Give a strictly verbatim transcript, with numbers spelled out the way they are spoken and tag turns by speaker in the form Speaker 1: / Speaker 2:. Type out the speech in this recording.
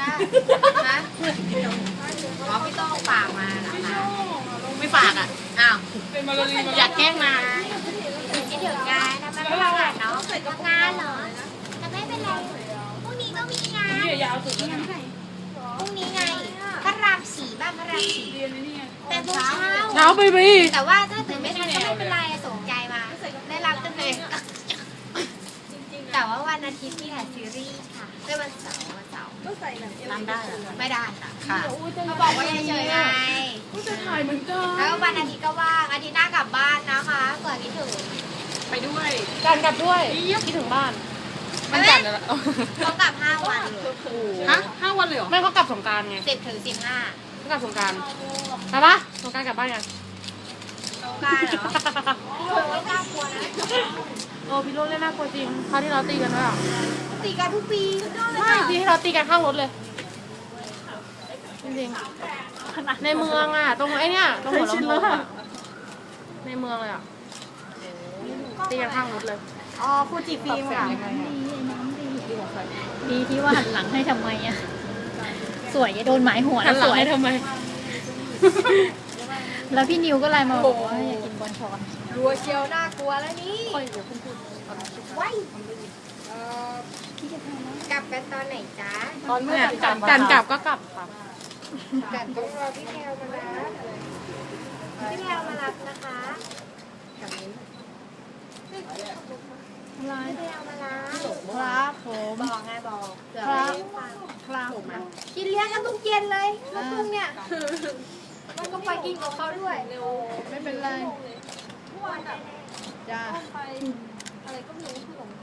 Speaker 1: นะขอพี่โต้งฝากมานะคะไม่ฝากอ่ะอ้าวอยากแกล้งมาคิดถึงงานนะมันไม่เป็นไรเนาะทำงานเหรอแต่ไม่เป็นไรพรุ่งนี้ก็มีงานพรุ่งนี้ไงพระรามสี่บ้านพระรามสี่แต่โมงเช้า
Speaker 2: เช้าไปไป
Speaker 1: แต่ว่าถ้าตื่นไม่ทันก็ไม่เป็นไรสนใจมาได้รับตั้งแต่แต่ว่าวันอาทิตย์ที่ถ่ายซีรีส์ค่ะไม่วันเสาร์วันเสาร์ก็ใส่แบบนั่งได้ไม่ได้ค่ะค่ะเขาบอกว่าเฉยๆไง
Speaker 2: ก็จะถ่ายเหมือนกัน
Speaker 1: แล้ววันอาทิตย์ก็ว่างอาทิตย์หน้ากลับบ้านนะคะเกิดคิดถึง
Speaker 2: ไปด้วยการกลับด้วยคิดถึงบ้าน
Speaker 1: มันจัดแล้วต้องกลับห้าวันเลย
Speaker 2: ฮะห้าวันเลยเหรอไม่เขากลับสงกรานต์ไง
Speaker 1: สิบถึงสิบห้า
Speaker 2: เขากลับสงกรานต์ใช่ปะสงกรานต์กลับบ้านยัง
Speaker 1: สงกรานต์เหรอพี่โรยน่ากลัวนะ
Speaker 2: โอ้พี่โรยเล่นน่ากลัวจริงคราวที่เราตีกันด้วยอ่ะ
Speaker 1: ตีกันทุกปี
Speaker 2: ใช่ที่เราตีกันข้างรถเลยจริงๆในเมืองอ่ะตรงไอ้นี่ตรงหัวลำโพงอ่ะในเมืองเลยอ่ะตีกันข้างรถเลย
Speaker 1: อ๋อฟูจิฟิล์มค่ะ
Speaker 3: ดีที่ว่าหันหลังให้ทำไมอ่ะสวยจะโดนหมายหัว
Speaker 2: หันหลังให้ทำไม
Speaker 3: แล้วพี่นิวก็ไลน์มาบอกว่าอยากกินบอลชอน
Speaker 1: รัวเชียวน่ากลัวแล้วนี่ไว้กลับกันตอนไหนจ๊ะ
Speaker 2: ตอนเมื่อกันกลับก็กลับค่ะ
Speaker 1: กันต้องรอพี่แพลวมารับพี่แพลวมารับนะคะกับมิ้นพี่แพลวมารับ
Speaker 3: ครับผม
Speaker 1: บอกไงบอก
Speaker 3: ครับครับ
Speaker 1: กินเลี้ยงกันทุกเย็นเลยลูกทุ่งเนี่ยมันก็ไปกินกับเขาด้วย
Speaker 3: ไม่เป็นไรจ้า